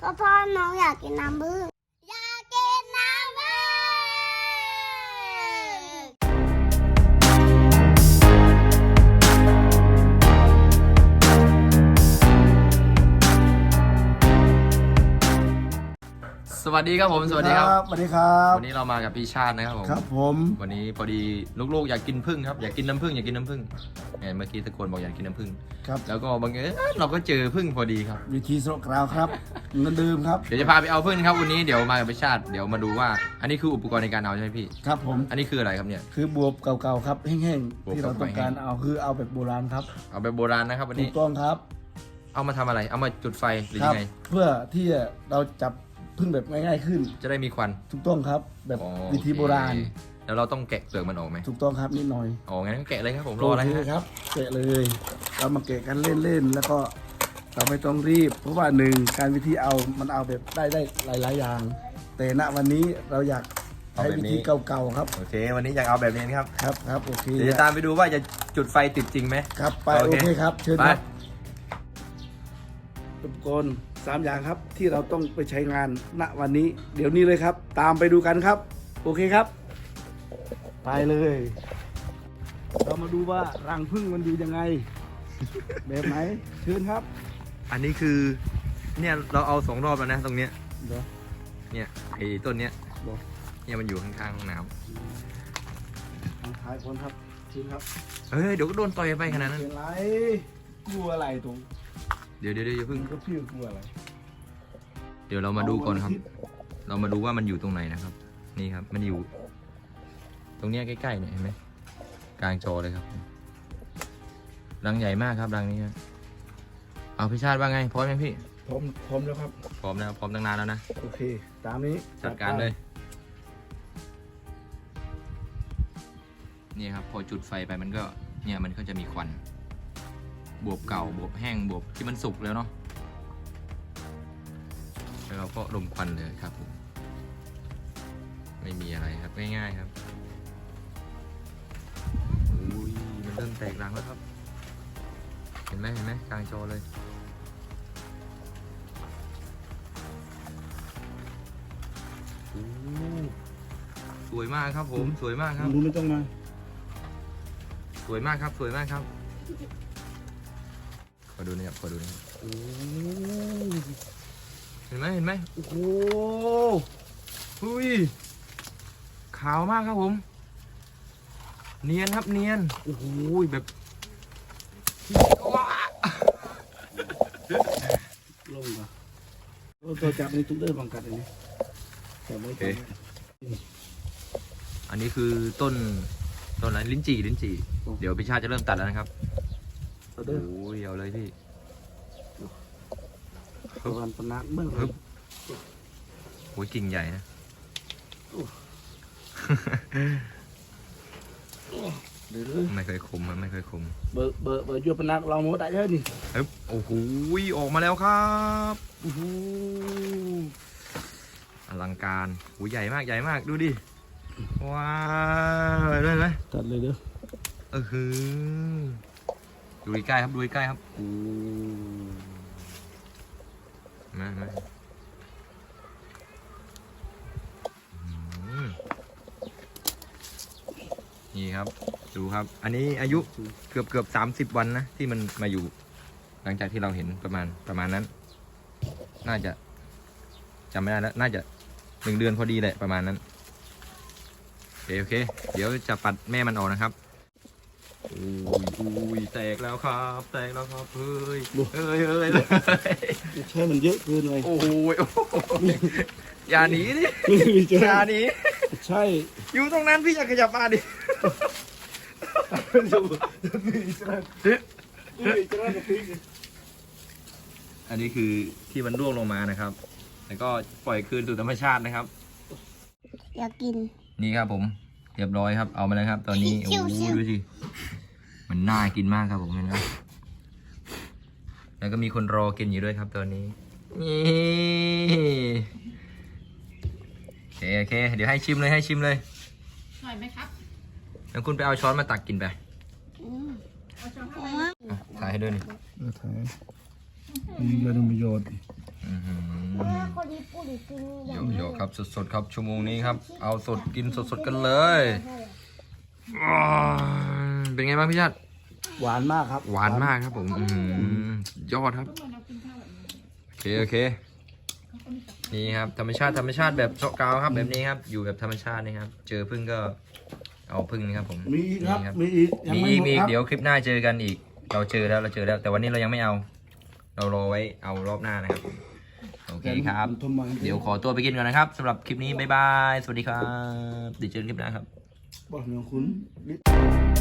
ก็เพราะน้องอยากกินน้ำผึ้งอยากกินน้ำผึ้งสวัสดีครับผมสวัสดีครับสวัสดีครับวันนี้เรามากับพี่ชาตินะครับผมครับผมวันนี้พอดีลูกๆอยากกินผึ้งครับอยากกินน้ำผึ้งอยากกินน้ำผึ้งเนี่ยเมื่อกี้ตะโกนบอกอยากกินน้ำผึ้งครับแล้วก็บังเอิญเราก็เจอผึ้งพอดีครับวิธีสโลกราวครับเงินดื่มครับเดี๋ยวจะพาไปเอาผึ้งครับวันนี้เดี๋ยวมากับพี่ชาติเดี๋ยวมาดูว่า อันนี้คืออุปกรณ์ในการเอาใช่ไหมพี่ครับผมอันนี้คืออะไรครับเนี่ยคือบวบเก่าๆครับแห้งบวบๆที่เราต้องการเอาคือเอาแบบโบราณครับเอาแบบโบราณนะครับวันถูนี้กต้องครับเอามาทำอะไรเอามาจุดไฟหรือครัยังไงเพื่อที่เราจับพึ่งแบบง่ายๆขึ้นจะได้มีควันถูกต้องครับ แบบอ๋อวิธีโบราณโอเคแล้วเราต้องแกะเปลือกมันออกไหมถูกต้องครับนิดหน่อยอ๋องั้นก็แกะเลยครับผมรออะไรโเคฮะครับแกะเลย เรามาแกะกันเล่นๆแล้วก็เราไม่ต้องรีบ เพราะว่าหนึ่งการวิธีเอามันเอาแบบได้หลายๆอย่าง แต่ณวันนี้เราอยากใช้วิธีเก่าๆครับโอเค วันนี้อยากเอาแบบนี้ครับครับโอเคเดี๋ยวจะตามไปดูว่าจะจุดไฟติดจริงไหมครับไปโอโอเคเคครับเชิญไปครับอุปกรณ์3อย่างครับที่เราต้องไปใช้งานณวันนี้ เดี๋ยวนี้เลยครับ ตามไปดูกันครับ โอเคครับ ไปเลย เรามาดูว่ารังผึ้งมันอยู่ยังไง แบบไหนเชิญครับอันนี้คือเนี่ยเราเอา2 รอบแล้วนะตรงเนี้ยเดี๋ยวเนี่ยไอ้ต้นเนี้ยเดี๋ยวเนี่ยมันอยู่ข้างๆห้องน้ทางท้ายคนครับเชิญครับำเฮ้ยเดี๋ยวก็โดนต่อยไปขนาดนั้นเป็นไรกลัวอะไรตรงเดี๋ยวอย่าเพิ่งก็พี่กลัวอะไรเดี๋ยวเรามาดูก่อนครับ เรามาดูว่ามันอยู่ตรงไหนนะครับ นี่ครับมันอยู่ ตรงเนี้ยใกล้ๆเนี่ยเห็นไหมกลางจอเลยครับรังใหญ่มากครับรังนี้ครับเอาพี่ชาติว่าไงพร้อมยังพี่พร้อมแล้วครับพร้อมแล้วพร้อมตั้งนานแล้วนะโอเค ตามนี้จัดการเลย นี่ครับพอจุดไฟไปมันก็เนี่ยมันก็จะมีควันบวบเก่าบวบแห้งบวบที่มันสุกแล้วเนาะแล้วเราก็ลมควันเลยครับผมไม่มีอะไรครับง่ายๆครับอุ้ยมันเริ่มแตกรังแล้วครับ เห็นไหมกลางจอเลยโอ้สวยมากครับผมสวยมากครับดูไม่ต้องมาสวยมากครับสวยมากครับขอดูนะครับขอดูนะครับโอ้เห็นไหมโอ้โหหุ้ยขาวมากครับผมเนียนครับเนียนโอ้โหแบบว้าลงมาตัวจับนี่ตุ้งเดินบังกัดเลยนี่จับไว้ก่อนอันนี้คือต้นอะไรลิ้นจี่เดี๋ยวพี่ชาติจะเริ่มตัดแล้วนะครับเอาโอ้เด้อยเอาเลยพี่ประมาณปนัดเมื่อฮึบ โอ้ยกิ่งใหญ่นะเดี๋ยวไม่เคยคมมันไม่เคยคมเบอร์ยูปนัดเราหมดได้เยอะนี่ฮึบโอ้โหออกมาแล้วครับโอ้โหอลังการโอ้ยใหญ่มากดูดิว้าวได้ไหมตัดเลยเด้อคือดูใกล้ครับโอ้มานี่ครับดูครับ อันนี้อายุเกือบ30 วันนะที่มันมาอยู่ หลังจากที่เราเห็นประมาณนั้น น่าจะจำไม่ได้แล้วน่าจะ1 เดือนพอดีแหละประมาณนั้นโอเคเดี๋ยวจะปัดแม่มันออกนะครับอุ้ยแตกแล้วครับเฮ้ยใช่มันเยอะเกินเลยโอ้ยอย่าหนีดิอย่าหนีใช่อยู่ตรงนั้นพี่อยากขยับมาดิ อันนี้คือที่มันร่วงลงมานะครับ แล้วก็ปล่อยคืนสู่ธรรมชาตินะครับอยากกินนี่ครับผมเรียบร้อยครับเอามาแล้วครับ ตอนนี้โอ้ชิวๆดูสิมันน่ากินมากครับผมเห็นไหมแล้วก็มีคนรอกินอยู่ด้วยครับตอนนี้นี่โอเคเดี๋ยวให้ชิมเลยอร่อยไหมครับแล้วคุณไปเอาช้อนมาตักกินไปเอาช้อนเข้าไปถ่ายให้ด้วยนี่ถ่ายมีประโยชน์อื้อหือคนญี่ปุ่นกินอโยย่างกนี้โยกครับสดๆครับชั่วโมงนี้ครับ เอาสดกินสดๆกันเลยอ้าวเป็นไงบ้างพี่ชาติหวานมากครับหวานมากครับผมยอดครับเหมือนเรากินข้าวแบบนี้โอเคนี่ครับธรรมชาติแบบเจาะกาวครับแบบนี้ครับอยู่แบบธรรมชาตินี่ครับเจอพึ่งก็เอาพึ่งนี่ครับผมมีอีกครับนี่มีอีกยังมีไม่อีกหมดครับเดี๋ยวคลิปหน้าเจอกันอีก เราเจอแล้วแต่วันนี้เรายังไม่เอา เรารอไว้เอารอบหน้านะครับผมโอเคครับทำไมเดี๋ยวขอตัวไปกินก่อนนะครับสำหรับคลิปนี้บ๊ายบายสวัสดีครับเดี๋ยวเจอกันคลิปหน้าครับบอกเหนือคุณ